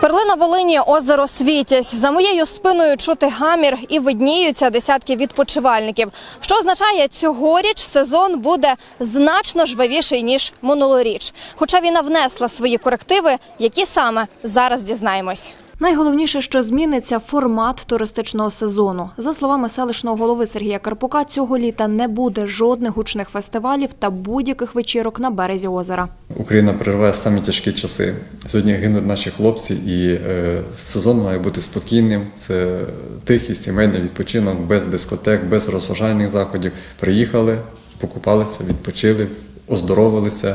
Перлина Волині, озеро Світязь. За моєю спиною чути гамір і видніються десятки відпочивальників. Що означає, цьогоріч сезон буде значно жвавіший, ніж минулоріч. Хоча війна внесла свої корективи, які саме зараз дізнаємось. Найголовніше, що зміниться формат туристичного сезону. За словами селищного голови Сергія Карпука, цього літа не буде жодних гучних фестивалів та будь-яких вечірок на березі озера. Україна переживає самі тяжкі часи. Сьогодні гинуть наші хлопці і сезон має бути спокійним. Це тихий сімейний відпочинок, без дискотек, без розважальних заходів. Приїхали, покупалися, відпочили, оздоровилися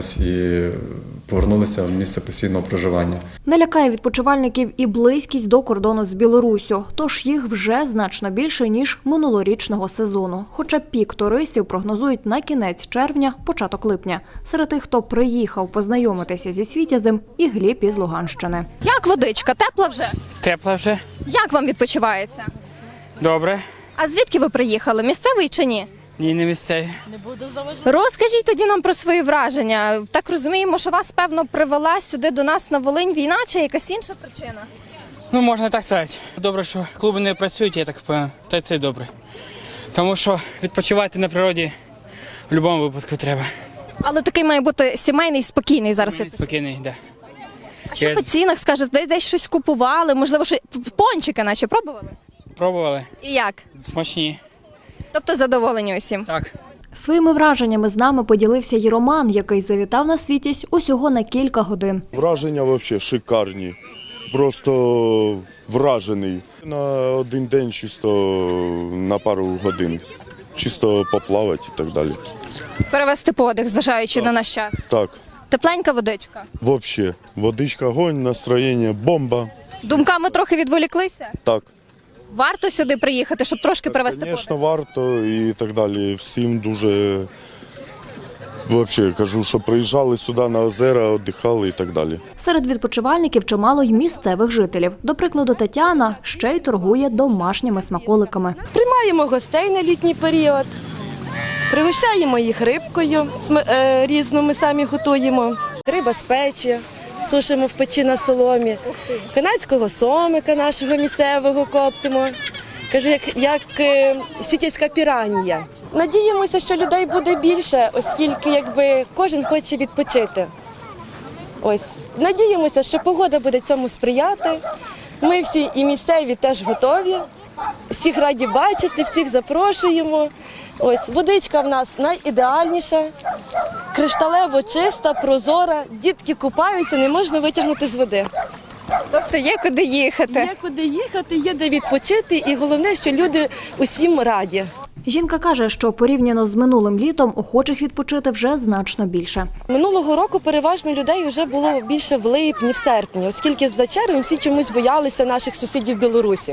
і повернулися в місце постійного проживання. Не лякає відпочивальників і близькість до кордону з Білоруссю, тож їх вже значно більше, ніж минулорічного сезону. Хоча пік туристів прогнозують на кінець червня, початок липня. Серед тих, хто приїхав познайомитися зі Світязем, і Гліб із Луганщини. Як водичка? Тепла вже? Тепла вже. Як вам відпочивається? Добре. А звідки ви приїхали? Місцевий чи ні? Ні, не місцеві. Розкажіть тоді нам про свої враження. Так розуміємо, що вас, певно, привела сюди до нас на Волинь війна чи якась інша причина? Ну, можна так сказати. Добре, що клуби не працюють, я так впевнений. Та це й добре. Тому що відпочивати на природі в будь-якому випадку треба. Але такий має бути сімейний, спокійний зараз. Спокійний, так. А що по цінах скажете? Десь щось купували? Можливо, що пончики наші пробували? Пробували. І як? Смачні. Тобто задоволені усім? Так. Своїми враженнями з нами поділився й Роман, який завітав на Світязь усього на кілька годин. Враження взагалі шикарні. Просто вражений. На один день чисто на пару годин. Чисто поплавати і так далі. Перевести подих, зважаючи на наш час. Так, Тепленька водичка. взагалі. Водичка, огонь, настроєння, бомба. Думками трохи відволіклися? Так. Варто сюди приїхати, щоб трошки перевести Звісно, подих? варто і так далі. Всім дуже, взагалі, кажу, що приїжджали сюди на озера, віддихали і так далі. Серед відпочивальників чимало й місцевих жителів. До прикладу, Тетяна ще й торгує домашніми смаколиками. Приймаємо гостей на літній період, пригощаємо їх рибкою різну, ми самі готуємо. Риба з печі, сушимо в печі на соломі, канадського сомика нашого місцевого коптимо. Кажу, як світязька піранія. Надіємося, що людей буде більше, оскільки кожен хоче відпочити. Надіємося, що погода буде цьому сприяти. Ми всі і місцеві теж готові. Всіх раді бачити, всіх запрошуємо. Водичка в нас найідеальніша, кришталево чиста, прозора. Дітки купаються, не можна витягнути з води. Тобто є куди їхати? Є куди їхати, є де відпочити і головне, що люди усім раді. Жінка каже, що порівняно з минулим літом охочих відпочити вже значно більше. Минулого року переважно людей вже було більше в липні, в серпні, оскільки за червень всі чомусь боялися наших сусідів в Білорусі.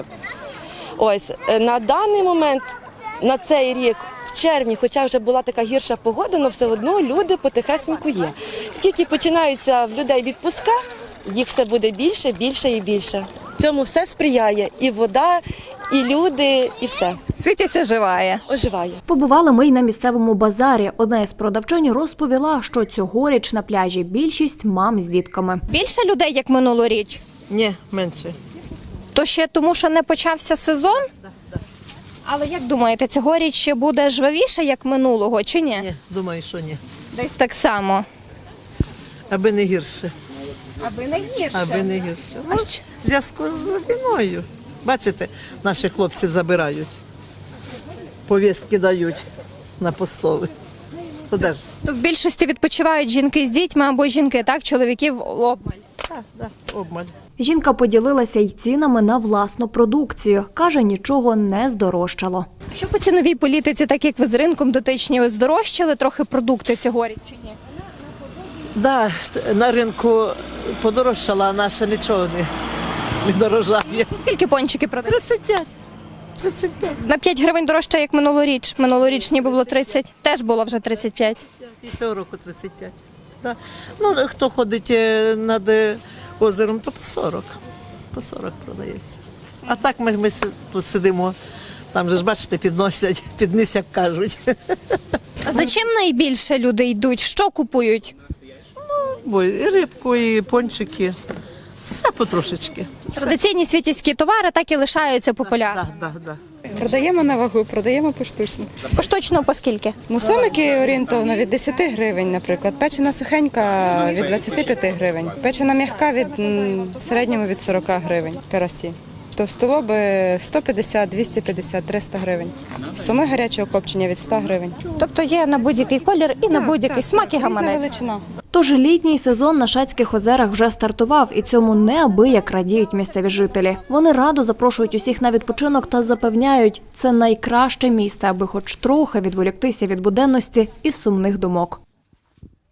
На даний момент, на цей рік, в червні, хоча вже була така гірша погода, але все одно люди потихесеньку є. Тільки починаються в людей відпуска, їх все буде більше, більше і більше. Цьому все сприяє і вода, і люди, і все. Світязь оживає. Оживає. Побували ми й на місцевому базарі. Одна із продавчинь розповіла, що цьогоріч на пляжі більшість мам з дітками. Більше людей, як минулоріч? Ні, менше. То ще тому, що не почався сезон? Так. Але як думаєте, цьогоріч ще буде жвавіше, як минулого, чи ні? Ні, думаю, що ні. Десь так само. Аби не гірше. Аби не гірше. Аби не гірше. А Ну, що? в зв'язку з війною. Бачите, наших хлопців забирають. Повістки дають на постові. То де ж? То в більшості відпочивають жінки з дітьми або жінки, так? Чоловіків обмаль. Так, обмаль. Жінка поділилася й цінами на власну продукцію. Каже, нічого не здорожчало. Що по ціновій політиці, так як ви з ринком дотичні, здорожчали трохи продукти цьогоріч чи ні? Да, на ринку подорожчала, а наша нічого не дорожає. Скільки пончики продають? 35. 35. На 5 гривень дорожче, як минулоріч. Минулоріч ніби було 30. Теж було вже 35. І цього року 35. Да. Ну, хто ходить над озером, то по 40. По 40 продається. А так ми тут сидимо, там же ж, бачите, підносять, підніс, як кажуть. А за чим найбільше люди йдуть? Що купують? Бо і рибку, і пончики. Все потрошечки. Традиційні світівські товари так і лишаються популярними. Да. Продаємо на вагу, продаємо поштучно. Поштучно по скільки? Ну, сомики орієнтовно від 10 гривень, наприклад. Печена сухенька від 25 гривень. Печена м'яка в середньому від 40 гривень карасі. Товстолоби 150, 250, 300 гривень. Соми гарячого копчення від 100 гривень. Тобто є на будь-який колір і на будь-який смак і Різна гаманець. величина. Тож літній сезон на Шацьких озерах вже стартував, і цьому неабияк радіють місцеві жителі. Вони радо запрошують усіх на відпочинок та запевняють, це найкраще місце, аби хоч трохи відволіктися від буденності і сумних думок.